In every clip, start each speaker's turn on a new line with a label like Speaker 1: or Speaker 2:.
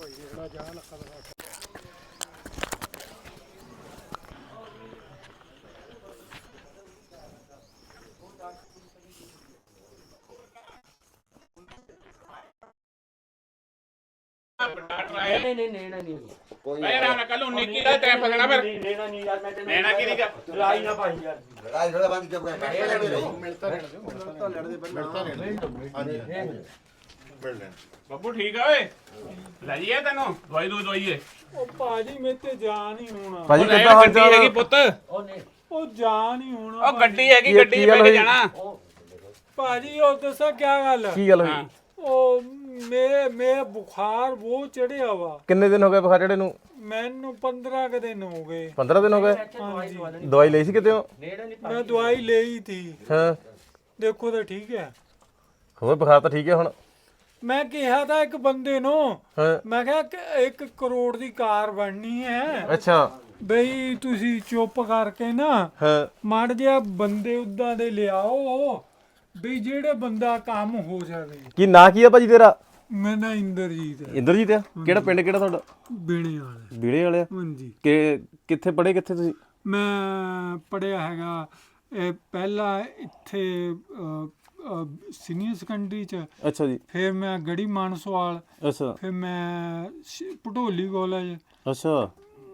Speaker 1: नहीं मैं ना कल 19 की टाइम पकड़ा फिर नैना की नहीं लड़ाई ना भाई यार लड़ाई थोड़ा बंद जब मिलता ਬੱਬੂ ਠੀਕ ਆ ਓਏ ਲੈ ਜੀਏ ਤੈਨੂੰ ਦਵਾਈ ਦਵਾਈਏ
Speaker 2: ਉਹ ਭਾਜੀ ਮੇਰੇ ਤੇ ਜਾਨ ਹੀ ਹੋਣਾ
Speaker 3: ਭਾਜੀ ਕਿੱਦਾਂ ਹਾਲ ਚਾਲ
Speaker 1: ਹੈਗੀ ਪੁੱਤ
Speaker 2: ਉਹ ਜਾਨ ਹੀ ਹੋਣਾ
Speaker 1: ਉਹ ਗੱਡੀ ਹੈਗੀ ਗੱਡੀ 'ਚ ਬੈ ਕੇ ਜਾਣਾ
Speaker 2: ਭਾਜੀ ਉਹ ਦੱਸਾਂ ਕੀ ਗੱਲ
Speaker 3: ਕੀ ਗੱਲ ਹੋਈ
Speaker 2: ਉਹ ਮੇਰੇ ਬੁਖਾਰ ਬਹੁਤ ਚੜਿਆ ਵਾ
Speaker 3: ਕਿੰਨੇ ਦਿਨ ਹੋ ਗਏ ਬੁਖਾਰ ਚੜੇ ਨੂੰ
Speaker 2: ਮੈਨੂੰ 15 ਕ ਦਿਨ ਹੋ ਗਏ
Speaker 3: 15 ਦਿਨ ਹੋ ਗਏ ਦਵਾਈ ਲਈ ਸੀ ਕਿਤੇ
Speaker 2: ਮੈਂ ਦਵਾਈ ਲਈ ਥੀ
Speaker 3: ਹਾਂ
Speaker 2: ਦੇਖੋ ਤਾਂ ਠੀਕ ਹੈ
Speaker 3: ਹੋਰ ਬੁਖਾਰ ਤਾਂ ਠੀਕ ਹੈ ਹੁਣ
Speaker 2: ਮੈਂ ਕਿਹਾ ਤਾਂ ਇੱਕ ਬੰਦੇ ਨੂੰ
Speaker 3: ਹਾਂ
Speaker 2: ਮੈਂ ਕਿਹਾ ਕਿ 1 ਕਰੋੜ ਦੀ ਕਾਰ ਬਣਨੀ ਹੈ
Speaker 3: ਅੱਛਾ
Speaker 2: ਬਈ ਤੁਸੀਂ ਚੁੱਪ ਕਰਕੇ ਨਾ
Speaker 3: ਹਾਂ
Speaker 2: ਮਾੜ ਜਿਹਾ ਬੰਦੇ ਉਦਾਂ ਦੇ ਲਿਆਓ ਬਈ ਜਿਹੜੇ ਬੰਦਾ ਕੰਮ ਹੋ ਜਾਵੇ
Speaker 3: ਕੀ ਨਾਂ ਕੀ ਆ ਭਾਜੀ ਤੇਰਾ
Speaker 2: ਮੈਂ ਨਾ ਇੰਦਰਜੀਤ
Speaker 3: ਇੰਦਰਜੀਤ ਆ ਕਿਹੜਾ ਪਿੰਡ ਕਿਹੜਾ ਤੁਹਾਡਾ
Speaker 2: ਬੀਣੇ ਵਾਲੇ
Speaker 3: ਬੀੜੇ ਵਾਲੇ ਆ
Speaker 2: ਹਾਂਜੀ
Speaker 3: ਕਿੱਥੇ ਪੜ੍ਹੇ ਕਿੱਥੇ ਤੁਸੀਂ
Speaker 2: ਮੈਂ ਪੜਿਆ ਹੈਗਾ ਇਹ ਪਹਿਲਾਂ ਇੱਥੇ ਸੀਨੀਅਰ ਸੈਕੰਡਰੀ ਚ
Speaker 3: ਅੱਛਾ ਜੀ
Speaker 2: ਫਿਰ ਮੈਂ ਗੜੀ ਮਾਨਸਵਾਲ
Speaker 3: ਅੱਛਾ
Speaker 2: ਫਿਰ ਮੈਂ ਭਟੋਲੀ ਕਾਲਜ
Speaker 3: ਅੱਛਾ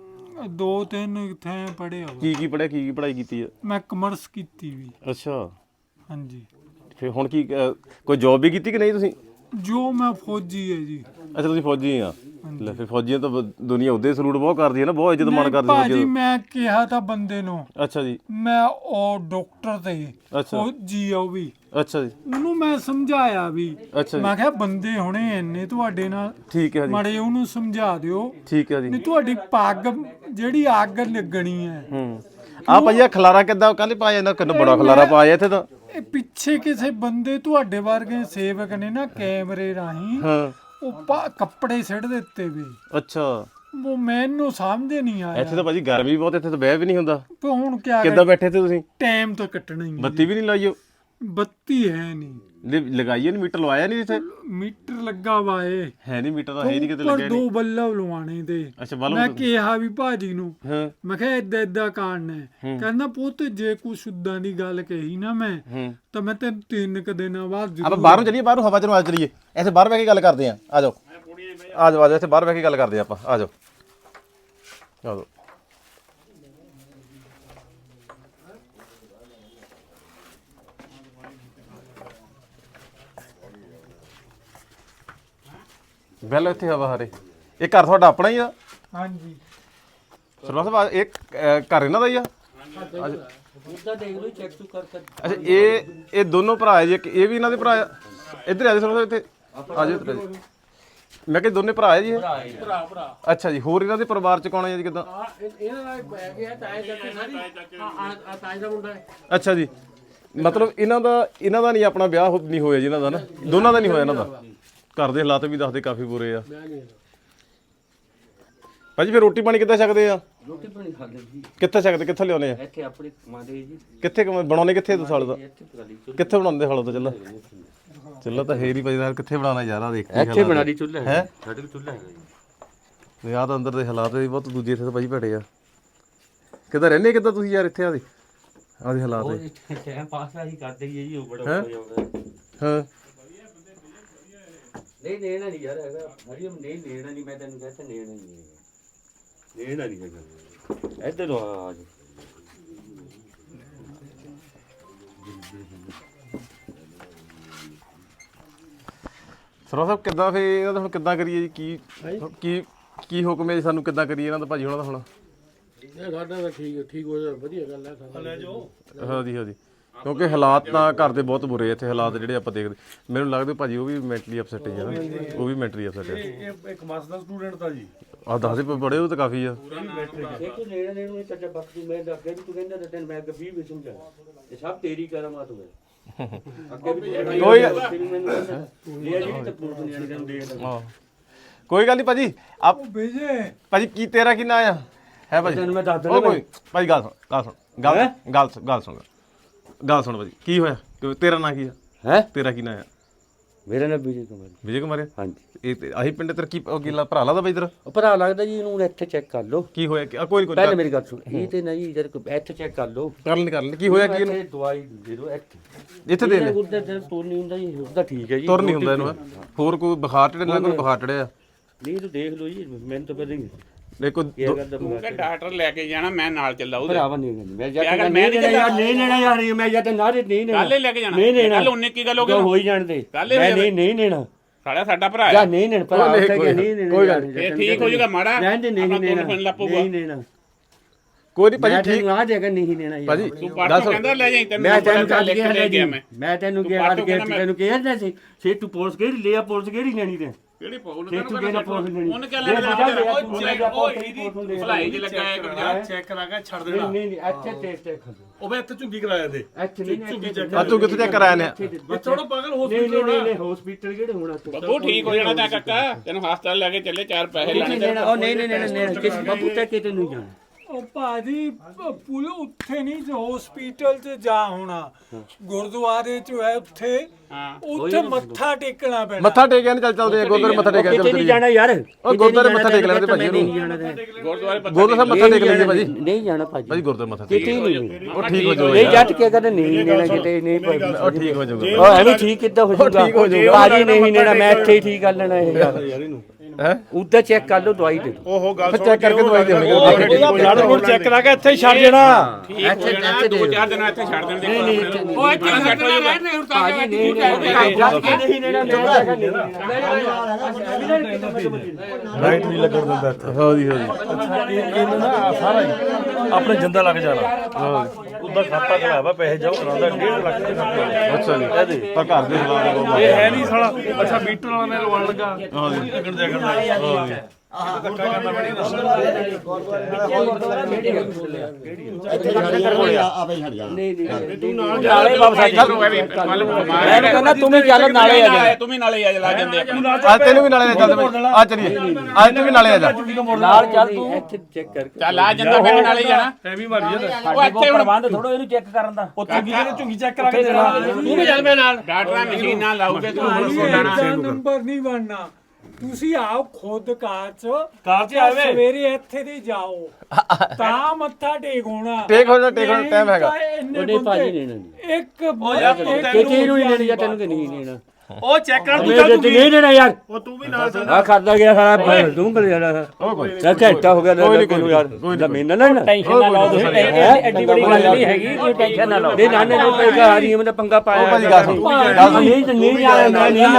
Speaker 2: 2-3 ਥਾਂ ਪੜਿਆ
Speaker 3: ਕੀ ਪੜ੍ਹਿਆ ਕੀ ਪੜ੍ਹਾਈ ਕੀਤੀ ਆ
Speaker 2: ਮੈਂ ਕਮਰਸ ਕੀਤੀ ਵੀ
Speaker 3: ਅੱਛਾ
Speaker 2: ਹਾਂਜੀ
Speaker 3: ਫਿਰ ਹੁਣ ਕੀ ਕੋਈ ਜੌਬ ਵੀ ਕੀਤੀ ਕਿ ਨਹੀਂ ਤੁਸੀਂ
Speaker 2: ਜੋ ਮੈਂ ਫੌਜੀ ਹੈ ਜੀ
Speaker 3: ਅੱਛਾ ਤੁਸੀਂ ਫੌਜੀ ਆ ਲੈ ਫਿਰ ਫੌਜੀਆਂ ਤਾਂ ਦੁਨੀਆ ਉਹਦੇ ਸਲੂਟ ਬਹੁਤ ਕਰਦੀ ਹੈ ਨਾ ਬਹੁਤ ਇੱਜ਼ਤ ਮਾਣ ਕਰਦੀ
Speaker 2: ਭਾਜੀ ਮੈਂ ਕਿਹਾ ਤਾਂ ਬੰਦੇ ਨੂੰ
Speaker 3: ਅੱਛਾ ਜੀ
Speaker 2: ਮੈਂ ਉਹ ਡਾਕਟਰ ਤੇ
Speaker 3: ਅੱਛਾ
Speaker 2: ਫੌਜੀ ਆ ਉਹ ਵੀ
Speaker 3: ਅੱਛਾ ਜੀ
Speaker 2: ਉਹਨੂੰ ਮੈਂ ਸਮਝਾਇਆ ਵੀ
Speaker 3: ਅੱਛਾ ਜੀ
Speaker 2: ਮੈਂ ਕਿਹਾ ਬੰਦੇ ਹੁਣੇ ਇੰਨੇ ਤੁਹਾਡੇ ਨਾਲ
Speaker 3: ਠੀਕ ਹੈ ਜੀ
Speaker 2: ਮਾੜੇ ਉਹਨੂੰ ਸਮਝਾ ਦਿਓ
Speaker 3: ਠੀਕ ਹੈ ਜੀ
Speaker 2: ਨਹੀਂ ਤੁਹਾਡੀ ਪੱਗ ਜਿਹੜੀ ਅੱਗ ਲੱਗਣੀ ਹੈ
Speaker 3: ਆ ਭਾਈਆ ਖਲਾਰਾ ਕਿੱਦਾਂ ਕੱਲ ਪਾਇਆ ਇਹਨਾਂ ਕਿੰਨਾ ਬੜਾ ਖਲਾਰਾ ਪਾਇਆ ਇੱਥੇ ਤਾਂ
Speaker 2: ਇਹ ਪਿੱਛੇ ਕਿਸੇ ਬੰਦੇ ਤੁਹਾਡੇ ਵਰਗੇ ਸੇਵਕ ਨੇ ਨਾ ਕੈਮਰੇ ਰਾਹੀਂ
Speaker 3: ਹਾਂ
Speaker 2: ਉਹ ਕੱਪੜੇ ਸਿੱਟ ਦਿੱਤੇ ਵੀ
Speaker 3: ਅੱਛਾ
Speaker 2: ਉਹ ਮੈਨੂੰ ਸਮਝ ਨਹੀਂ ਆਇਆ
Speaker 3: ਇੱਥੇ ਤਾਂ ਭਾਜੀ ਗਰਮੀ ਬਹੁਤ ਇੱਥੇ ਤਾਂ ਬਹਿ ਵੀ ਨਹੀਂ ਹੁੰਦਾ
Speaker 2: ਤੇ ਹੁਣ ਕਿਆ
Speaker 3: ਕਿੱਦਾਂ ਬੈਠੇ ਤੇ ਤੁਸੀਂ
Speaker 2: ਟਾਈਮ ਤਾਂ ਕੱਟਣਾ ਹੀ ਹੈ।
Speaker 3: ਬੱਤੀ ਵੀ ਨਹੀਂ ਲਾਈਓ
Speaker 2: ਬੱਤੀ ਹੈ ਨਹੀਂ
Speaker 3: ਲਗਾਈਏ ਨਹੀਂ ਮੀਟਰ ਲਵਾਇਆ ਨਹੀਂ ਇੱਥੇ
Speaker 2: ਮੀਟਰ ਲੱਗਾ ਵਾ ਇਹ
Speaker 3: ਹੈ ਨਹੀਂ ਮੀਟਰ ਤਾਂ ਹੈ ਨਹੀਂ ਕਿਤੇ
Speaker 2: ਪਰ
Speaker 3: ਲੱਗਿਆ
Speaker 2: 2
Speaker 3: ਨਹੀਂ
Speaker 2: ਬੱਲਬ ਲਵਾਣੇ ਤੇ
Speaker 3: ਅੱਛਾ
Speaker 2: ਮੈਂ
Speaker 3: ਬਲਬ
Speaker 2: ਕਿਹਾ ਵੀ ਭਾਜੀ ਨੂੰ
Speaker 3: ਹਾਂ
Speaker 2: ਮੈਂ ਕਿਹਾ ਏਦਾਂ ਕਾਰਨ ਹੈ ਕਹਿੰਦਾ ਪੁੱਤ ਜੇ ਕੁਛ ਉਦਾਂ ਦੀ ਗੱਲ ਕਹੀ ਨਾ ਮੈਂ ਤਾਂ ਮੈਂ ਤੈਨੂੰ 3 ਕੁ ਦਿਨਾਂ ਬਾਅਦ
Speaker 3: ਆਪਾਂ ਬਾਹਰੋਂ ਚੱਲੀਏ ਬਾਹਰੋਂ ਹਵਾ ਚ ਨੂੰ ਆ ਚੱਲੀਏ ਇੱਥੇ ਬਾਹਰ ਬਹਿ ਕੇ ਗੱਲ ਕਰਦੇ ਆ ਆ ਜਾਓ ਆ ਜਾਓ ਇੱਥੇ ਬਾਹਰ ਬਹਿ ਕੇ ਗੱਲ ਕਰਦੇ ਆਪਾਂ ਆ ਜਾਓ ਆ ਜਾਓ ਬੈਲ ਇੱਥੇ ਹਵਾ ਹਰੇ ਇਹ ਘਰ ਤੁਹਾਡਾ ਆਪਣਾ ਹੀ ਆ
Speaker 2: ਹਾਂਜੀ
Speaker 3: ਸਰਵਾ ਸਾਹਿਬ ਇਹ ਘਰ ਇਹਨਾਂ ਦਾ ਹੀ ਆ
Speaker 2: ਉਹਦਾ ਦੇਖ ਲਓ ਚੈੱਕ ਟੂ ਕਰ
Speaker 3: ਅੱਛਾ ਇਹ ਦੋਨੋਂ ਭਰਾ ਹੈ ਜੀ ਇਹ ਵੀ ਇਹਨਾਂ ਦੇ ਭਰਾ ਆ ਇੱਧਰ ਆ ਜਾਓ ਸਰਵਾ ਸਾਹਿਬ ਇੱਥੇ ਆ ਜਾਓ ਇੱਧਰ ਮੈਂ ਕਿਹਾ ਦੋਨੇ ਭਰਾ ਹੈ ਜੀ ਭਰਾ ਅੱਛਾ ਜੀ ਹੋਰ ਇਹਨਾਂ ਦੇ ਪਰਿਵਾਰ ਚ ਕੌਣ ਹੈ ਜੀ ਕਿਦਾਂ
Speaker 2: ਇਹਨਾਂ ਦਾ ਪੈ ਗਿਆ ਤਾਏ ਚਾਚੇ ਸਾਰੀ ਤਾਏ ਦਾ ਮੁੰਡਾ ਹੈ
Speaker 3: ਅੱਛਾ ਜੀ ਮਤਲਬ ਇਹਨਾਂ ਦਾ ਨਹੀਂ ਆਪਣਾ ਵਿਆਹ ਨਹੀਂ ਹੋਇਆ ਜੀ ਇਹਨਾਂ ਦਾ ਨਾ ਦੋਨਾਂ ਦਾ ਨਹੀਂ ਹੋਇਆ ਇਹਨਾਂ ਦਾ ਘਰ ਦੇ ਹਾਲਾਤ ਵੀ ਦੱਸਦੇ ਕਾਫੀ ਬੁਰੇ ਆ ਭਾਜੀ ਫਿਰ ਰੋਟੀ ਪਾਣੀ ਕਿੱਦਾਂ ਛਕਦੇ ਆ
Speaker 4: ਰੋਟੀ ਪਾਣੀ ਖਾਂਦੇ ਜੀ
Speaker 3: ਕਿੱਥੇ ਛਕਦੇ ਕਿੱਥੇ ਲਿਆਉਨੇ ਆ
Speaker 4: ਇੱਥੇ ਆਪਣੇ ਕਮਾਦੇ ਜੀ
Speaker 3: ਕਿੱਥੇ ਬਣਾਉਣੇ ਕਿੱਥੇ ਸਾਲ ਦਾ
Speaker 4: ਇੱਥੇ ਪਕਾਲੀ
Speaker 3: ਕਿੱਥੇ ਬਣਾਉਂਦੇ ਹਾਲ ਦਾ ਚੱਲਾ ਤਾਂ ਹੈ ਨਹੀਂ ਭਾਜੀ ਯਾਰ ਕਿੱਥੇ ਬਣਾਉਣਾ ਯਾਰ ਆ ਦੇਖ
Speaker 4: ਇੱਥੇ ਬਣਾ ਦੀ ਚੁੱਲ੍ਹਾ
Speaker 3: ਹੈ
Speaker 4: ਸਾਡੇ ਕੋਲ ਚੁੱਲ੍ਹਾ ਹੈਗਾ ਜੀ
Speaker 3: ਯਾਰ ਤਾਂ ਅੰਦਰ ਦੇ ਹਾਲਾਤ ਵੀ ਬਹੁਤ ਦੂਜੇ ਇੱਥੇ ਤਾਂ ਭਾਜੀ ਭੜੇ ਆ ਕਿੱਦਾਂ ਰਹਿੰਦੇ ਕਿੱਦਾਂ ਤੁਸੀਂ ਯਾਰ ਇੱਥੇ ਆਦੇ ਹਾਲਾਤ
Speaker 4: ਟਾਈਮ ਪਾਸ ਹੀ ਕਰਦੇ ਜੀ ਉਹ ਬੜਾ ਹੋ ਜਾਂਦਾ
Speaker 3: ਹਾਂ
Speaker 4: ਨਹੀਂ ਨੇਣਾ ਨਹੀਂ ਯਾਰ ਹੈਗਾ ਹਰੀਮ ਨਹੀਂ ਨੇਣਾ ਨਹੀਂ ਮੈਂ ਤੈਨੂੰ ਕਹਿੰਦਾ ਨੇਣਾ ਨਹੀਂ ਨੇਣਾ ਨਹੀਂ ਹੈਗਾ ਇੱਧਰ ਆ ਜੀ
Speaker 3: ਸਰਵਾ ਸਾਹਿਬ ਕਿੱਦਾਂ ਫੇ ਇਹਨਾਂ ਦਾ ਹੁਣ ਕਿੱਦਾਂ ਕਰੀਏ ਜੀ ਕੀ ਹੁਕਮ ਹੈ ਜੀ ਸਾਨੂੰ ਕਿੱਦਾਂ ਕਰੀਏ ਇਹਨਾਂ ਦਾ ਭਾਜੀ ਉਹਨਾਂ ਦਾ ਹੁਣ
Speaker 2: ਇਹ ਸਾਡਾ ਤਾਂ ਠੀਕ ਹੋ ਜਾ ਵਧੀਆ ਗੱਲ ਹੈ ਸਾਡਾ ਲੈ ਜਾਓ
Speaker 3: ਹਾਂਜੀ ਕਿਉਂਕਿ ਹਾਲਾਤ ਤਾਂ ਘਰ ਦੇ ਬਹੁਤ ਬੁਰੇ ਇੱਥੇ ਹਾਲਾਤ ਜਿਹੜੇ ਆਪਾਂ ਦੇਖਦੇ ਮੈਨੂੰ ਲੱਗਦਾ ਭਾਜੀ ਉਹ ਵੀ ਮੈਂਟਲੀ ਅਪਸੈਟ ਹੈ ਨਾ ਉਹ ਵੀ ਮੈਂਟਲੀ ਅਪਸੈਟ ਹੈ
Speaker 2: ਇਹ ਇੱਕ ਮਾਸ ਦਾ ਸਟੂਡੈਂਟ ਤਾਂ ਜੀ
Speaker 3: ਆਹ ਦੱਸਦੇ ਬੜੇ ਉਹ ਤਾਂ ਕਾਫੀ ਆ
Speaker 4: ਦੇਖੋ ਨੇੜਾ ਨੇੜੇ ਨੂੰ ਚੱਜਾ ਬਾਕੀ ਮੈਂ ਅੱਗੇ ਵੀ ਤੂੰ ਕਹਿੰਦਾ ਤਾਂ ਤੈਨੂੰ ਮੈਂ ਅੱਗੇ 20 ਵੀ ਸਮਝਾ ਇਹ ਸਭ ਤੇਰੀ ਕਰਾਮਾਤ ਹੋਵੇ
Speaker 3: ਕੋਈ ਗੱਲ ਨਹੀਂ ਭਾਜੀ ਆਪ
Speaker 2: ਭੇਜੇ
Speaker 3: ਭਾਜੀ ਕੀ ਤੇਰਾ ਕੀ ਨਾਂ ਆ ਹੈ ਭਾਜੀ
Speaker 4: ਤੈਨੂੰ ਮੈਂ ਦੱਸ
Speaker 3: ਉਹ ਕੋਈ ਭਾਜੀ ਗੱਲ ਸੁਣ ਭਾਜੀ ਕੀ ਹੋਇਆ ਤੇਰਾ ਨਾਂ ਕੀ ਆ
Speaker 4: ਹੈ
Speaker 3: ਤੇਰਾ ਕੀ ਨਾਂ ਆ
Speaker 4: ਮੇਰਾ ਨਾਮ ਵਿਜੇ ਕੁਮਾਰ।
Speaker 3: ਵਿਜੇ ਕੁਮਾਰ
Speaker 4: ਹਾਂਜੀ।
Speaker 3: ਇਹ ਤੇ ਆਹੀ ਪਿੰਡ ਤੇਰਾ ਕੀ ਉਹ ਗਿੱਲਾ ਭਰਾ ਲੱਗਦਾ ਬਈ ਤੇਰਾ?
Speaker 4: ਉਹ ਭਰਾ ਲੱਗਦਾ ਜੀ, ਇਹਨੂੰ ਇੱਥੇ ਚੈੱਕ ਕਰ ਲਓ।
Speaker 3: ਕੀ ਹੋਇਆ ਕੋਈ ਨਹੀਂ
Speaker 4: ਪਹਿਲੇ ਮੇਰੀ ਗੱਲ ਸੁਣ, ਇਹ ਤੇ ਨਹੀਂ ਜਦ ਇੱਥੇ ਚੈੱਕ ਕਰ ਲਓ।
Speaker 3: ਕਰ ਲੈਣ ਕੀ ਹੋਇਆ ਕੀ ਇਹਨੂੰ?
Speaker 4: ਇੱਥੇ ਦਵਾਈ ਦੇ ਦਿਓ
Speaker 3: ਇੱਥੇ ਦੇ ਲੈ।
Speaker 4: ਉਧਰ ਤੇ ਤੁਰ ਨਹੀਂ ਹੁੰਦਾ ਜੀ, ਉਹਦਾ ਠੀਕ ਹੈ ਜੀ।
Speaker 3: ਤੁਰ ਨਹੀਂ ਹੁੰਦਾ ਇਹਨੂੰ ਹੋਰ ਕੋਈ ਬੁਖਾਰ ਚੜਿਆ ਨਾ ਕੋਈ ਬੁਖਾਰ ਚੜਿਆ?
Speaker 4: ਨਹੀਂ ਤੂੰ ਦੇਖ ਲਓ ਜੀ, ਮੈਨੂੰ ਤਾਂ ਪਤਾ ਨਹੀਂ
Speaker 3: ਦੇਖੋ
Speaker 4: ਇਹ ਗੱਲ ਦਾ
Speaker 1: ਕਿ ਡਾਕਟਰ ਲੈ ਕੇ ਜਾਣਾ, ਮੈਂ ਨਾਲ ਚੱਲਾ ਉਹਦੇ।
Speaker 4: ਭਰਾਵਾ ਨਹੀਂ ਮੈਂ ਜਾ ਕੇ ਨਹੀਂ ਲੈਣਾ ਯਾਰ, ਨਹੀਂ ਲੈਣਾ ਯਾਰ, ਮੈਂ ਜਾਂ ਤਾਂ ਨਾ ਦੇ ਨਹੀਂ ਲੈਣਾ।
Speaker 1: ਕੱਲ ਹੀ ਲੈ ਕੇ ਜਾਣਾ।
Speaker 4: ਨਹੀਂ ਲੈਣਾ।
Speaker 1: ਕੱਲ ਉਹਨੇ ਕੀ ਗੱਲ ਹੋ ਗਈ?
Speaker 4: ਹੋਈ ਜਾਣ ਦੇ। ਮੈਂ ਨਹੀਂ ਲੈਣਾ।
Speaker 1: ਸਾਡਾ ਭਰਾ
Speaker 4: ਜਾਂ
Speaker 1: ਹੈ।
Speaker 4: ਨਹੀਂ ਲੈਣਾ ਭਰਾ, ਉੱਥੇ ਗਿਆ ਨਹੀਂ ਲੈਣਾ।
Speaker 3: ਕੋਈ ਗੱਲ ਨਹੀਂ,
Speaker 1: ਇਹ ਠੀਕ ਹੋ ਜਾਊਗਾ ਮਾੜਾ।
Speaker 4: ਨਹੀਂ ਲੈਣਾ।
Speaker 1: ਨਹੀਂ ਲੈਣਾ।
Speaker 3: ਕੋਈ ਨਹੀਂ ਭਾਜੀ ਠੀਕ
Speaker 4: ਆ ਜਾਏਗਾ, ਨਹੀਂ ਲੈਣਾ
Speaker 3: ਭਾਜੀ।
Speaker 1: ਤੂੰ ਪਰਸੋਂ ਕਹਿੰਦਾ ਲੈ ਜਾਈਂ, ਤੈਨੂੰ
Speaker 4: ਮੈਂ ਤੈਨੂੰ ਕੱਲ
Speaker 1: ਲੈ ਗਿਆ
Speaker 4: ਮੈਂ ਤੈਨੂੰ ਕਿਹਾ ਤੈਨੂੰ ਕਿਹਾ ਸੀ ਸੇ ਤੂੰ ਪੁਲਿਸ ਕਿਹੜੀ ਲਿਆ, ਪੁਲਿਸ ਕਿਹੜੀ ਲੈਣੀ ਤੇ
Speaker 1: ਕਿਹੜੀ ਪੌਲ
Speaker 4: ਤੇ ਤੂੰ ਕਿਹੜਾ ਪੁਲਿਸ ਲੈਣੀ?
Speaker 1: ਉਹਨੇ ਕਿਹਾ ਲੈ ਭਲਾਈ ਚ ਲੱਗਾ ਇੱਕ ਪੰਜਾਬ
Speaker 5: ਚੈੱਕ ਕਰਾ ਕੇ ਛੱਡ
Speaker 4: ਨਹੀਂ
Speaker 5: ਦੇਣਾ।
Speaker 4: ਨਹੀਂ ਅੱਛਾ ਟੈਸਟ
Speaker 5: ਉਹ ਮੈਂ ਇੱਥੇ ਝੁੱਗੀ ਕਰਾਇਆ ਤੇ
Speaker 4: ਅੱਛਾ ਨਹੀਂ
Speaker 5: ਝੁੱਗੀ ਚੈੱਕ
Speaker 3: ਆ ਤੂੰ ਕਿੱਥੇ ਚੈੱਕ ਕਰਾਇਆ ਨੇ?
Speaker 5: ਥੋੜਾ ਪਾਗਲ
Speaker 4: ਨਹੀਂ
Speaker 5: ਹਸਪੀਟਲ
Speaker 4: ਨਹੀਂ ਹਸਪੀਟਲ ਕਿਹੜੇ ਹੋਣਾ ਤੂੰ?
Speaker 1: ਬੱਬੂ ਠੀਕ ਹੋ ਜਾਣਾ ਤਾਂ ਕਾਕਾ, ਤੈਨੂੰ ਹਸਪਤਾਲ ਲੈ ਕੇ ਚੱਲੇ, 4 ਪੈਸੇ
Speaker 4: ਨਹੀਂ
Speaker 1: ਲੈਣੇ।
Speaker 4: ਉਹ ਨਹੀਂ ਕਿਸ ਬਾਬੂ ਤੱਕ ਕਿਤੇ ਨਹੀਂ ਜਾਣਾ।
Speaker 2: ਉਹ ਭਾਜੀ ਪੁਲ ਉੱਥੇ ਨਹੀਂ ਹਸਪੀਟਲ 'ਚ ਜਾ ਹੋਣਾ, ਗੁਰਦੁਆਰੇ 'ਚ ਹੈ ਉੱਥੇ,
Speaker 1: ਹਾਂ
Speaker 2: ਉੱਥੇ ਮੱਥਾ ਟੇਕਣਾ ਪੈਣਾ।
Speaker 3: ਮੱਥਾ ਟੇਕਿਆ ਨਹੀਂ ਚੱਲ ਚੱਲਦੇ ਗੁਰਦੁਆਰੇ ਮੱਥਾ ਟੇਕਿਆ
Speaker 4: ਕਿਤੇ ਨਹੀਂ ਜਾਣਾ ਯਾਰ,
Speaker 3: ਉਹ ਗੁਰਦੁਆਰੇ ਮੱਥਾ ਟੇਕ ਲੈਂਦੇ ਭਾਜੀ
Speaker 4: ਨਹੀਂ ਜਾਣਾ
Speaker 1: ਗੁਰਦੁਆਰੇ
Speaker 3: ਗੁਰਦੁਆਰੇ ਸਾਹਿਬ ਮੱਥਾ ਟੇਕ ਲੈਂਦੇ ਭਾਜੀ।
Speaker 4: ਨਹੀਂ ਜਾਣਾ ਭਾਜੀ,
Speaker 3: ਭਾਜੀ ਗੁਰਦੁਆਰੇ ਮੱਥਾ ਟੇਕ
Speaker 4: ਕਿਤੇ ਨਹੀਂ।
Speaker 3: ਉਹ ਠੀਕ ਹੋ
Speaker 4: ਨਹੀਂ
Speaker 3: ਜਾਊਗਾ
Speaker 4: ਜੱਟ ਕੇ ਕਹਿੰਦੇ ਨਹੀਂ ਲੈਣਾ ਕਿਤੇ ਨਹੀਂ
Speaker 3: ਉਹ ਠੀਕ ਹੋ ਜਾਊਗਾ
Speaker 4: ਉਹ ਐਵੇਂ ਠੀਕ ਕਿੱਦਾਂ ਹੋ ਜਾਊਗਾ? ਭਾਜੀ ਨਹੀਂ ਲੈਣਾ, ਮੈਂ ਇੱਥੇ ਹੀ ਠੀਕ ਕਰ ਲੈਣਾ ਇਹ ਯਾਰ।
Speaker 3: ਹੈ
Speaker 4: ਉੱਧਰ ਚੈੱਕ ਕਰ ਲਓ, ਦਵਾਈ ਦੇ ਦਿਓ।
Speaker 5: ਉਹ ਗੱਲ
Speaker 3: ਫਿਰ ਚੈੱਕ ਕਰਕੇ ਦਵਾਈ ਦੇਣੀ
Speaker 5: ਲੜ ਨੂੰ ਚੈੱਕ ਕਰਾ ਕੇ ਇੱਥੇ ਛੱਡ ਦੇਣਾ।
Speaker 1: ਠੀਕ ਹੋ ਜਾਣਾ, 2-4 ਦਿਨ ਇੱਥੇ ਛੱਡ ਦੇਣ ਦੇ। ਉਹ ਇੱਥੇ ਸੈੱਟ ਹੋ ਜਾਊਗਾ।
Speaker 4: ਭਾਜੀ ਨਹੀਂ
Speaker 5: ਲਾਈਟ ਨਹੀਂ ਲੱਗਣ ਦਿੰਦਾ ਇੱਥੇ।
Speaker 3: ਹਾਂਜੀ
Speaker 5: ਇਹਨੂੰ ਨਾ ਸਾਰਾ ਹੀ ਆਪਣੇ ਜਿੰਦਾ ਲੱਗ ਜਾਣਾ। ਉਹਦਾ ਖਾਤਾ ਖਲਾਇਆ ਵਾ, ਪੈਸੇ ਜਾਓ ਕਰਾਉਂਦਾ 1.5 ਲੱਖ ਦੇ ਖਾਤੇ।
Speaker 3: ਅੱਛਾ ਜੀ ਤਾਂ ਘਰ ਦੇ ਹਾਲਾਤ
Speaker 5: ਇਹ ਹੈ ਨਹੀਂ ਸਾਲਾ। ਅੱਛਾ ਮੀਟਰ ਵਾਲਾ ਨੇ ਲਵਾਉਣ ਲੱਗਾ। ਲੱਗਣ ਦੇ ਕਰਦਾ।
Speaker 4: ਮੈਂ ਕਹਿੰਦਾ ਤੂੰ ਵੀ ਚੱਲ ਨਾਲੇ ਆ ਜਾ,
Speaker 1: ਤੂੰ ਵੀ ਨਾਲੇ ਆ ਜਾ, ਲਾ ਜਾਂਦੇ
Speaker 3: ਅੱਜ ਤੈਨੂੰ ਵੀ ਨਾਲੇ ਲੈ ਚੱਲਦੇ ਆ ਚਲੀਏ ਅੱਜ ਤੂੰ ਵੀ ਨਾਲੇ ਆ ਜਾ
Speaker 4: ਨਾਲ ਚੱਲ ਤੂੰ ਇੱਥੇ ਚੈੱਕ ਕਰ।
Speaker 1: ਚੱਲ ਆ ਜਾਂਦਾ, ਫਿਰ ਨਾਲੇ ਜਾਣਾ।
Speaker 5: ਐਵੇਂ ਮਾਰੀ ਜਾਂਦਾ।
Speaker 1: ਉਹ ਇੱਥੇ ਹੁਣ
Speaker 4: ਪ੍ਰਬੰਧ ਥੋੜੋ ਇਹਨੂੰ ਚੈੱਕ ਕਰਨ ਦਾ।
Speaker 5: ਉਹ ਝੁੱਗੀ ਕਿਹਨੇ ਝੁੱਗੀ ਚੈੱਕ ਕਰਾ ਕੇ ਦੇਣਾ।
Speaker 4: ਤੂੰ ਵੀ ਚੱਲ ਮੇਰੇ ਨਾਲ।
Speaker 1: ਡਾਕਟਰਾਂ ਮਸ਼ੀਨਾਂ ਲਾਉਗੇ ਤੂੰ ਹੁਣ
Speaker 2: ਭਾਜੀ
Speaker 1: ਸੋਣਾ।
Speaker 2: ਇਹਦਾ ਨੰਬਰ ਨਹੀਂ ਬਣਨਾ, ਤੁਸੀਂ ਆਓ ਖੁਦ ਕਾਰ 'ਚ,
Speaker 5: ਕਾਰ 'ਚ ਆਵੇ।
Speaker 2: ਸਵੇਰੇ ਇੱਥੇ ਦੀ ਜਾਓ ਤਾਂ ਮੱਥਾ ਟੇਕ ਹੋਣਾ।
Speaker 3: ਟੇਕ ਹੋਣਾ ਟਾਈਮ ਹੈਗਾ।
Speaker 4: ਉਹਨੇ ਭਾਜੀ ਨਹੀਂ ਲੈਣੀ।
Speaker 2: ਇੱਕ
Speaker 5: ਯਾਰ ਤੂੰ
Speaker 4: ਕਿਤੇ ਨੂੰ ਨਹੀਂ ਲੈਣੀ ਜਾਂ ਤੈਨੂੰ ਕਿ ਨਹੀਂ ਲੈਣਾ।
Speaker 5: ਉਹ ਚੈੱਕ ਕਰ ਤੂੰ
Speaker 4: ਮੇਰੇ ਤੇ ਨਹੀਂ ਲੈਣਾ ਯਾਰ।
Speaker 5: ਉਹ ਤੂੰ ਵੀ ਨਾਲ ਚੱਲ।
Speaker 4: ਆ ਕਰਦਾ ਗਿਆ ਸਾਰਾ ਤੂੰ ਕਰ ਜਾਣਾ। ਚੱਲ ਘੰਟਾ ਹੋ ਗਿਆ ਤੈਨੂੰ ਯਾਰ, ਜ਼ਮੀਨ ਨਾ ਲੈਣਾ। ਟੈਨਸ਼ਨ ਨਾ ਲਓ ਤੁਸੀਂ, ਐਡੀ ਬੜੀ ਗੱਲ ਨਹੀਂ ਹੈਗੀ, ਕੋਈ ਟੈਨਸ਼ਨ ਨਾ ਲਓ। ਨਹੀਂ ਨਾਨੇ ਨੂੰ ਪੈਗਾ ਹਾਰੀ ਮੈਂ ਪੰਗਾ ਪਾਇਆ।
Speaker 3: ਉਹ ਭਾਜੀ ਗੱਲ ਸੁਣ
Speaker 4: ਨਹੀਂ ਜਾਣਾ ਮੈਂ ਨਹੀਂ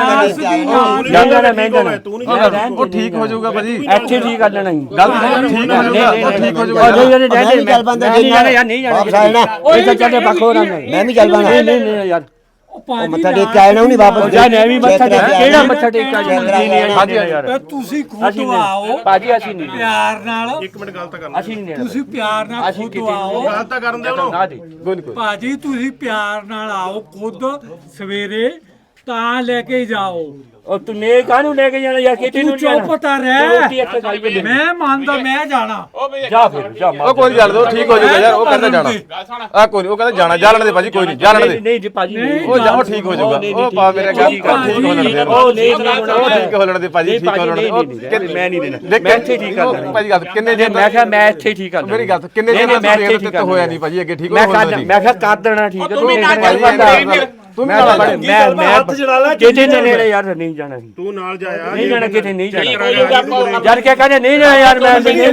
Speaker 4: ਜਾਣਾ ਨਾ ਮੈਂ ਜਾਣਾ।
Speaker 3: ਉਹ ਠੀਕ ਹੋ ਜਾਊਗਾ ਭਾਜੀ,
Speaker 4: ਇੱਥੇ ਠੀਕ ਕਰ ਲੈਣਾ
Speaker 3: ਗੱਲ ਠੀਕ ਹੋ ਜਾਊਗਾ ਠੀਕ ਹੋ ਜਾਊਗਾ
Speaker 4: ਨਹੀਂ ਯਾਰ ਨਹੀਂ ਚੱਲ ਬੰਦਾ ਨਹੀਂ ਜਾਣਾ ਯਾਰ, ਨਹੀਂ ਜਾਣਾ ਉਹ ਚੱਲ ਬੱਖੋ ਨਾ ਮੈਂ ਵੀ ਚੱਲ ਬੰਦਾ। ਨਹੀਂ ਨਹੀਂ ਯਾਰ
Speaker 2: ਮੱਥਾ
Speaker 4: ਟੇਕ ਕੇ ਆਣਾ ਨਹੀਂ ਵਾਪਸ ਜਾ। ਮੈਂ ਵੀ ਮੱਥਾ ਟੇਕ ਕਿਹੜਾ ਮੱਥਾ ਟੇਕ ਕੇ
Speaker 3: ਹਾਂਜੀ ਯਾਰ
Speaker 2: ਤੁਸੀਂ ਖੁਦ ਆਓ
Speaker 4: ਭਾਜੀ, ਅਸੀਂ ਨਹੀਂ
Speaker 2: ਪਿਆਰ ਨਾਲ,
Speaker 5: ਇੱਕ ਮਿੰਟ ਗੱਲ ਤਾਂ ਕਰ।
Speaker 4: ਅਸੀਂ ਨਹੀਂ
Speaker 2: ਤੁਸੀਂ ਪਿਆਰ ਨਾਲ ਖੁਦ ਆਓ
Speaker 5: ਗੱਲ ਤਾਂ ਕਰਨ ਦੇ ਉਹਨੂੰ।
Speaker 4: ਨਾ ਦੇ
Speaker 3: ਕੋਈ ਨਹੀਂ
Speaker 2: ਭਾਜੀ, ਤੁਸੀਂ ਪਿਆਰ ਨਾਲ ਆਓ ਖੁਦ ਸਵੇਰੇ ਤਾਂ ਲੈ ਕੇ ਜਾਓ।
Speaker 4: ਉਹ ਤੂੰ ਨੇ ਕਾਹਨੂੰ ਲੈ ਕੇ ਜਾਣਾ ਯਾਰ? ਕਿਤੇ ਨੂੰ
Speaker 2: ਤੂੰ ਚੁੱਪ ਤਾਂ
Speaker 4: ਰੋਟੀ
Speaker 2: ਰਹਿ,
Speaker 4: ਇੱਥੇ ਖਾਈ ਪਈ।
Speaker 2: ਮੈਂ ਮੰਨਦਾ ਮੈਂ ਜਾਣਾ।
Speaker 1: ਉਹ ਵੀ
Speaker 4: ਜਾ ਫਿਰ ਜਾ
Speaker 3: ਉਹ ਕੋਈ ਗੱਲ ਦੋ ਠੀਕ ਹੋ ਜਾਊਗਾ ਯਾਰ, ਉਹ ਕਹਿੰਦਾ ਜਾਣਾ
Speaker 1: ਗੱਲ ਸੁਣ।
Speaker 3: ਆ ਕੋਈ ਨਹੀਂ ਉਹ ਕਹਿੰਦਾ ਜਾਣਾ ਜਾ ਲੈਣ ਦੇ ਭਾਜੀ, ਕੋਈ ਨਹੀਂ ਜਾ ਲੈਣ ਦੇ
Speaker 4: ਨਹੀਂ ਜੀ ਭਾਜੀ
Speaker 3: ਉਹ ਜਾਓ ਠੀਕ ਹੋ ਜਾਊਗਾ। ਉਹ ਪਾ ਮੇਰੇ ਗੱਲ ਠੀਕ ਹੋ ਲੈਣ ਦੇ
Speaker 4: ਉਹ ਨਹੀਂ
Speaker 3: ਉਹ ਠੀਕ ਹੋ ਲੈਣ ਦੇ ਭਾਜੀ, ਠੀਕ ਹੋ ਲੈਣ ਦੇ
Speaker 4: ਮੈਂ ਨਹੀਂ ਦੇਣਾ, ਮੈਂ ਇੱਥੇ ਠੀਕ ਕਰ ਲੈਣਾ
Speaker 3: ਭਾਜੀ ਗੱਲ ਕਿੰਨੇ ਜੇ
Speaker 4: ਮੈਂ ਕਿਹਾ ਮੈਂ ਇੱਥੇ ਠੀਕ ਕਰ ਲੈਣਾ।
Speaker 3: ਮੇਰੀ ਗੱਲ ਕਿੰਨੇ ਜੇ
Speaker 4: ਮੈਂ ਇੱਥੇ ਠੀਕ
Speaker 3: ਤੇ ਹੋਇਆ ਨਹੀਂ ਭਾਜੀ, ਅੱਗੇ ਠੀਕ
Speaker 4: ਮੈਂ
Speaker 3: ਹੋਇਆ
Speaker 4: ਕਰ ਮੈਂ ਕਿਹਾ ਕਰ ਦੇਣਾ ਠੀਕ ਹੈ।
Speaker 1: ਤੂੰ ਵੀ ਨਾ
Speaker 3: ਭਾਜੀ ਤੂੰ ਵੀ ਨਾਲ ਭਾਜੀ
Speaker 4: ਮੈਂ
Speaker 5: ਹੱਥ ਜਲਾ ਲੈ।
Speaker 4: ਕਿਤੇ ਨੇੜੇ ਯਾਰ ਨਹੀਂ ਜਾਣਾ।
Speaker 5: ਤੂੰ ਨਾਲ ਜਾਇਆ।
Speaker 4: ਨਹੀਂ ਜਾਣਾ ਕਿਤੇ ਨਹੀਂ ਜਾਣਾ
Speaker 1: ਠੀਕ ਹੋ ਜਾਊਗਾ ਆਪਾਂ।
Speaker 4: ਯਾਰ ਕਿਆ ਕਹਿੰਦੇ ਨਹੀਂ ਜਾਣਾ ਯਾਰ, ਮੈਂ ਨਹੀਂ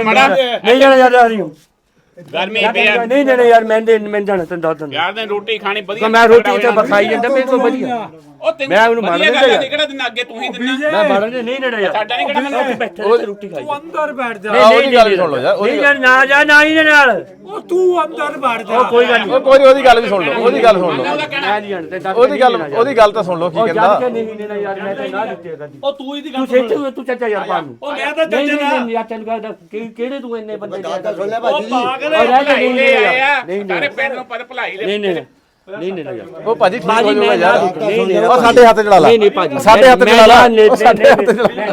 Speaker 4: ਜਾਣਾ ਯਾਰ ਆ ਰਹੀ ਹੂੰ।
Speaker 1: ਗਰਮੀ ਪਿਆ
Speaker 4: ਨਹੀਂ ਜਾਣਾ ਯਾਰ, ਮੈਂ ਜਾਣਾ ਤੈਨੂੰ ਦੱਸ ਦਿੰਦਾ।
Speaker 1: ਯਾਰ ਨੇ ਰੋਟੀ ਖਾਣੀ ਵਧੀਆ।
Speaker 4: ਮੈਂ ਰੋਟੀ ਤੇ ਬਖਾਈ ਜਾਂਦਾ ਮੇਰੇ ਕੋਲ ਵਧੀਆ।
Speaker 1: ਉਹ ਤੈਨੂੰ
Speaker 4: ਮੈਂ ਉਹਨੂੰ ਮਾਰ ਦਿੰਦਾ ਯਾਰ।
Speaker 1: ਕਿਹੜਾ ਦਿਨ ਅੱਗੇ ਤੂੰ ਹੀ ਦਿੰਦਾ।
Speaker 4: ਮੈਂ ਬਾੜਨ ਦੇ ਨਹੀਂ ਨੇੜੇ ਯਾਰ,
Speaker 1: ਸਾਡਾ ਨਹੀਂ ਕਿਹੜਾ ਦਿਨ।
Speaker 4: ਬੈਠੇ ਰੋਟੀ ਖਾਈ।
Speaker 2: ਤੂੰ ਅੰਦਰ ਬੈਠ ਜਾ।
Speaker 3: ਉਹਦੀ ਗੱਲ ਵੀ ਸੁਣ ਲਓ ਯਾਰ,
Speaker 4: ਨਹੀਂ ਯਾਰ ਨਾ ਜਾ ਨਾ ਹੀ ਨਾਲ।
Speaker 2: ਉਹ ਤੂੰ ਅੰਦਰ ਬੈਠ ਜਾ।
Speaker 4: ਕੋਈ ਗੱਲ ਨਹੀਂ,
Speaker 3: ਉਹ ਕੋਈ ਉਹਦੀ ਗੱਲ ਵੀ ਸੁਣ ਲਓ, ਉਹਦੀ ਗੱਲ ਸੁਣ ਲਓ,
Speaker 4: ਮੈਂ ਨਹੀਂ ਜਾਣਦਾ ਤੇ
Speaker 3: ਉਹਦੀ ਗੱਲ ਤਾਂ ਸੁਣ ਲਓ ਕੀ
Speaker 4: ਉਹ
Speaker 3: ਕਹਿੰਦਾ।
Speaker 4: ਜਾਣ ਕੇ ਨਹੀਂ ਦੇਣਾ ਯਾਰ, ਮੈਂ ਤਾਂ ਨਾ ਦਿੱਤੇ ਕਦੀ।
Speaker 5: ਉਹ ਤੂੰ ਇਹਦੀ
Speaker 4: ਤੂੰ ਸੇਚੂ ਤੂੰ ਚਾਚਾ ਯਾਰ ਪਾ ਨੂੰ।
Speaker 5: ਉਹ ਮੈਂ ਤਾਂ
Speaker 4: ਨਹੀਂ
Speaker 5: ਚੱਜ ਨਾਲ
Speaker 4: ਨਹੀਂ ਯਾਰ ਤੈਨੂੰ ਕਹਿੰਦਾ ਕਿਹੜੇ ਤੂੰ ਇੰਨੇ ਬੰਦੇ
Speaker 5: ਉਹ ਪਾਗਲ
Speaker 4: ਉਹ ਰਹਿ ਕੇ
Speaker 1: ਭਲਾਈ
Speaker 4: ਨਹੀਂ
Speaker 1: ਲੈ
Speaker 4: ਨਹੀਂ
Speaker 1: ਆਇਆ
Speaker 4: ਨਹੀਂ
Speaker 1: ਸਾਰੇ ਪਿੰਡ ਨੂੰ ਪਰ ਭਲਾਈ ਲੈ।
Speaker 4: ਨਹੀਂ ਨਹੀਂ ਨਹੀਂ ਨਹੀਂ ਯਾਰ
Speaker 3: ਉਹ ਭਾਜੀ ਠੀਕ ਹੋ
Speaker 4: ਭਾਜੀ
Speaker 3: ਜਾਊਗਾ
Speaker 4: ਮੈਂ
Speaker 3: ਯਾਰ
Speaker 4: ਨਹੀਂ ਨਹੀਂ
Speaker 3: ਉਹ ਸਾਡੇ ਹੱਥ ਚ ਲਾ ਲਾ
Speaker 4: ਨਹੀਂ ਨਹੀਂ ਭਾਜੀ
Speaker 3: ਸਾਡੇ ਹੱਥ ਚ ਲਾ ਲਾ ਉਹ ਸਾਡੇ ਹੱਥ ਚ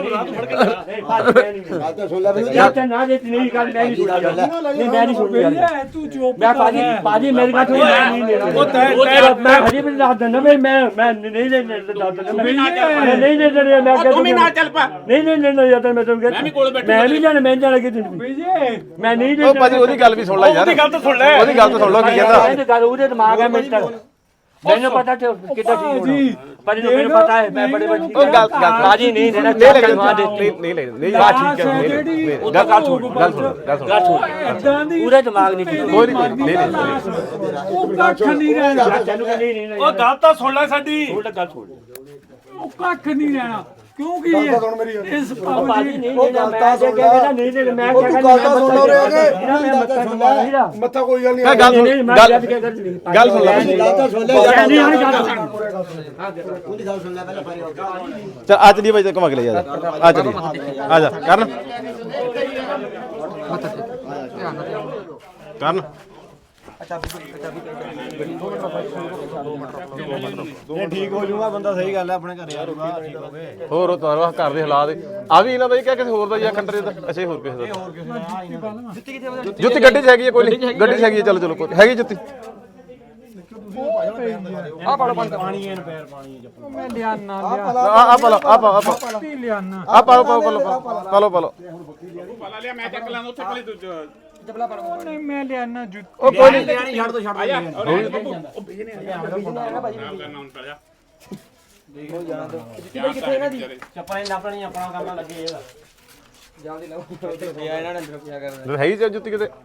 Speaker 4: ਯਾਰ ਤੇ ਨਾ ਜੇ ਨਹੀਂ ਗੱਲ ਮੈਂ ਨਹੀਂ ਸੁਣਦਾ ਨਹੀਂ ਮੈਂ ਨਹੀਂ ਸੁਣਦਾ ਯਾਰ
Speaker 2: ਤੂੰ ਚੁੱਪ
Speaker 4: ਮੈਂ ਭਾਜੀ ਮੇਰੀ ਗੱਲ ਸੁਣ ਨਹੀਂ ਲੈਣਾ ਮੈਂ ਹਜੇ ਵੀ ਦੱਸ ਦਿੰਦਾ ਮੈਂ ਨਹੀਂ ਦੱਸ ਦਿੰਦਾ ਮੈਂ ਨਹੀਂ ਮੈਂ
Speaker 1: ਤੂੰ ਵੀ ਨਾਲ ਚੱਲ ਪਾ
Speaker 4: ਨਹੀਂ ਯਾਰ ਮੈਂ ਤੁਹਾਨੂੰ
Speaker 1: ਮੈਂ ਵੀ ਕੋਲ ਬੈਠਾ
Speaker 4: ਮੈਂ ਨਹੀਂ ਜਾਣਾ ਮੈਂ ਜਾਣਾ ਕਿ ਤੂੰ ਮੈਂ ਨਹੀਂ
Speaker 3: ਉਹ ਭਾਜੀ ਉਹਦੀ ਗੱਲ ਵੀ ਸੁਣ ਲੈ ਯਾਰ ਉਹਦੀ ਗੱਲ ਤਾਂ ਸੁਣ ਲੈ ਉਹਦੀ ਗੱਲ ਤਾਂ ਸੁਣ ਲਓ ਕੀ ਕਹਿੰਦਾ
Speaker 4: ਇਹ ਗੱਲ ਉਹਦੇ ਦਿਮਾਗ ਹੈ ਮੇਰੇ ਤੱਕ ਮੈਨੂੰ ਪਤਾ ਤੇ ਕਿੱਦਾਂ ਠੀਕ ਹੋਣਾ ਪਰ ਮੈਨੂੰ ਪਤਾ ਹੈ ਮੈਂ ਬੜੇ ਬੱਚੀ
Speaker 3: ਉਹ ਗੱਲ
Speaker 4: ਬਾਜੀ ਨਹੀਂ ਦੇਣਾ
Speaker 3: ਨਹੀਂ ਬਾ ਠੀਕ ਹੈ ਗੱਲ ਸੁਣ
Speaker 2: ਇਦਾਂ ਦੀ
Speaker 4: ਪੂਰਾ ਦਿਮਾਗ ਨਹੀਂ ਠੀਕ
Speaker 3: ਕੋਈ ਨਹੀਂ
Speaker 2: ਉਹ ਕੱਖ ਨਹੀਂ ਰਹਿਣਾ
Speaker 4: ਤੈਨੂੰ ਕਹਿੰਦੀ ਨਹੀਂ
Speaker 5: ਉਹ ਗੱਲ ਤਾਂ ਸੁਣ ਲੈ ਸਾਡੀ
Speaker 4: ਉਹ ਗੱਲ ਸੁਣ
Speaker 2: ਉਹ ਕੱਖ ਨਹੀਂ ਰਹਿਣਾ ਕਿਉਂਕਿ ਇਸ
Speaker 4: ਬਾਜੀ ਨਹੀਂ ਦੇਣਾ ਮੈਂ ਜੇ ਕਹਿੰਦਾ ਨਹੀਂ ਦੇ ਮੈਂ ਕਹਿੰਦਾ ਸੁਣ ਲਓ ਰੇ
Speaker 5: ਮੱਥਾ ਕੋਈ ਗੱਲ
Speaker 3: ਗੱਲ ਸੁਣ ਗੱਲ ਸੁਣ ਲੈ ਚਲ ਆ ਚਲੀਏ ਬਾਈ ਤੇ ਘੁਮਾ ਕੇ ਲੈ ਜਾ ਆ ਚਲੀਏ ਆ ਜਾ ਕਰਨ ਕਰਨ
Speaker 5: ਠੀਕ ਹੋ ਜਾਊਗਾ ਬੰਦਾ ਸਹੀ ਗੱਲ ਹੈ ਆਪਣੇ ਘਰੇ ਆਊਗਾ ਠੀਕ ਹੋ ਗਏ
Speaker 3: ਹੋਰ ਉਹ ਤੁਹਾਡਾ ਘਰ ਦੇ ਹਾਲਾਤ ਆ ਵੀ ਇਹਨਾਂ ਦਾ ਹੀ ਕਿਹਾ ਕਿਸੇ ਹੋਰ ਦਾ ਜਾਂ ਖੰਡਰੇ ਦਾ ਅੱਛਾ ਹੋਰ ਕਿਸੇ ਦਾ ਜੁੱਤੀ ਗੱਡੀ 'ਚ ਹੈਗੀ ਹੈ ਕੋਈ ਨਹੀਂ ਗੱਡੀ 'ਚ ਹੈਗੀ ਹੈ ਚਲੋ ਕੋਈ ਹੈਗੀ ਜੁੱਤੀ
Speaker 5: ਆ ਪਾਲੋ ਪਾਣੀ ਐਨ ਪੈਰ ਪਾਣੀ
Speaker 2: ਮੈਂ ਲਿਆਣਾ
Speaker 3: ਆ ਪਾਲੋ
Speaker 2: ਪੱਤੀ ਲਿਆਣਾ
Speaker 3: ਆ ਪਾਲੋ
Speaker 1: ਪਾਲਾ ਲਿਆ ਮੈਂ ਚੱਕ ਲਾਂਗਾ ਉੱਥੇ ਕੋਲੇ ਤੂੰ
Speaker 2: ਨਹੀਂ ਮੈਂ ਲਿਆਣਾ ਜੁੱਤੀ
Speaker 3: ਉਹ ਕੋਈ ਨਹੀਂ
Speaker 1: ਆ ਜਾ ਉਹ ਭੇਜਨੇ ਆ ਭਾਈ ਨਾਮ ਪੜ ਜਾ ਕਿੱਥੇ ਇਹਨਾਂ ਦੀ
Speaker 5: ਚੱਪਲਾਂ ਲੱਪਣੀ ਆਪਣਾ ਕੰਮ ਲੱਗੇ ਇਹਦਾ ਜਲਦੀ ਲਾਓ ਪਿਆ ਇਹਨਾਂ ਨੇ ਅੰਦਰ ਪਿਆ ਕਰਨ
Speaker 3: ਹੈਗੀ ਜਾਂ ਜੁੱਤੀ ਕਿਤੇ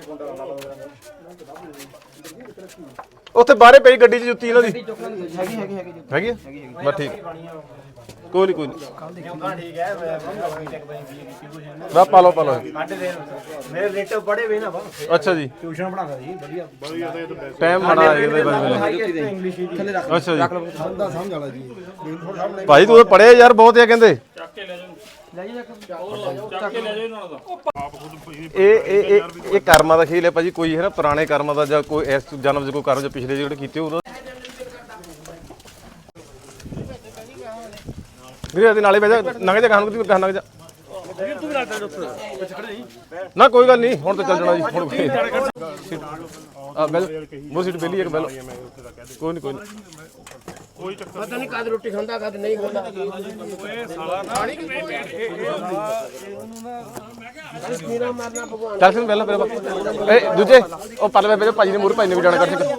Speaker 3: ਉੱਥੇ ਬਾਹਰੇ ਪਈ ਗੱਡੀ 'ਚ ਜੁੱਤੀ ਇਹਨਾਂ ਦੀ ਹੈਗੀ ਬਸ ਠੀਕ ਕੋਈ ਨਹੀਂ
Speaker 5: ਠੀਕ ਹੈ
Speaker 3: ਬਾ ਪਾਲੋ
Speaker 5: ਸਾਡੇ ਦੇ ਮੇਰੇ ਰਿਲੇਟਿਵ ਪੜੇ ਵੇ ਨਾ ਵਾ
Speaker 3: ਅੱਛਾ ਜੀ
Speaker 5: ਟਿਊਸ਼ਨ ਪੜਾਉਂਦਾ ਜੀ ਵਧੀਆ
Speaker 3: ਟਾਈਮ ਮਾੜਾ ਇਹਦੇ
Speaker 5: ਇੰਗਲਿਸ਼ ਦੀ ਥੱਲੇ ਰੱਖ
Speaker 3: ਅੱਛਾ ਜੀ
Speaker 5: ਬੰਦਾ ਸਮਝ ਆਲਾ ਜੀ
Speaker 3: ਭਾਈ ਤੂੰ ਪੜਿਆ ਯਾਰ ਬਹੁਤ ਆ ਕਹਿੰਦੇ
Speaker 1: ਚੱਕ ਕੇ ਲੈ ਜਾਓ
Speaker 3: ਇਹ ਕਰਮਾਂ ਦਾ ਖੇਲ ਹੈ ਭਾਜੀ ਕੋਈ ਹੈ ਨਾ ਪੁਰਾਣੇ ਕਰਮਾਂ ਦਾ ਜਾਂ ਕੋਈ ਇਸ ਜਨਮ 'ਚ ਕੋਈ ਕਰਮ ਜਾਂ ਪਿਛਲੇ ਜਿਹੜੇ ਕੀਤੇ ਉਹਦਾ ਵੀਰੇ ਇਹਦੇ ਨਾਲੇ ਬਹਿ ਜਾ ਨੰਗ ਜਾ ਖਾਣ ਨੂੰ ਨੰਗ ਜਾ ਨਾ ਕੋਈ ਗੱਲ ਨਹੀਂ ਹੁਣ ਤਾਂ ਚੱਲ ਜਾਣਾ ਜੀ ਹੁਣ ਆ ਬੈਲ ਮੋ ਸੀਟ ਬੇਲੀ ਇੱਕ ਬੈਲ ਕੋਈ ਨਹੀਂ
Speaker 5: ਪਤਾ ਨਹੀਂ ਕਦ ਰੋਟੀ ਖਾਂਦਾ ਕਦ ਨਹੀਂ ਖਾਂਦਾ
Speaker 3: ਚੱਲ ਫਿਰ ਪਹਿਲਾਂ ਇਹ ਦੂਜੇ ਉਹ ਪਰਲੇ ਵੇ ਭਾਜੀ ਨੇ ਮੂਰ ਭਾਈ ਨੇ ਵੀ ਜਾਣਾ ਕਰ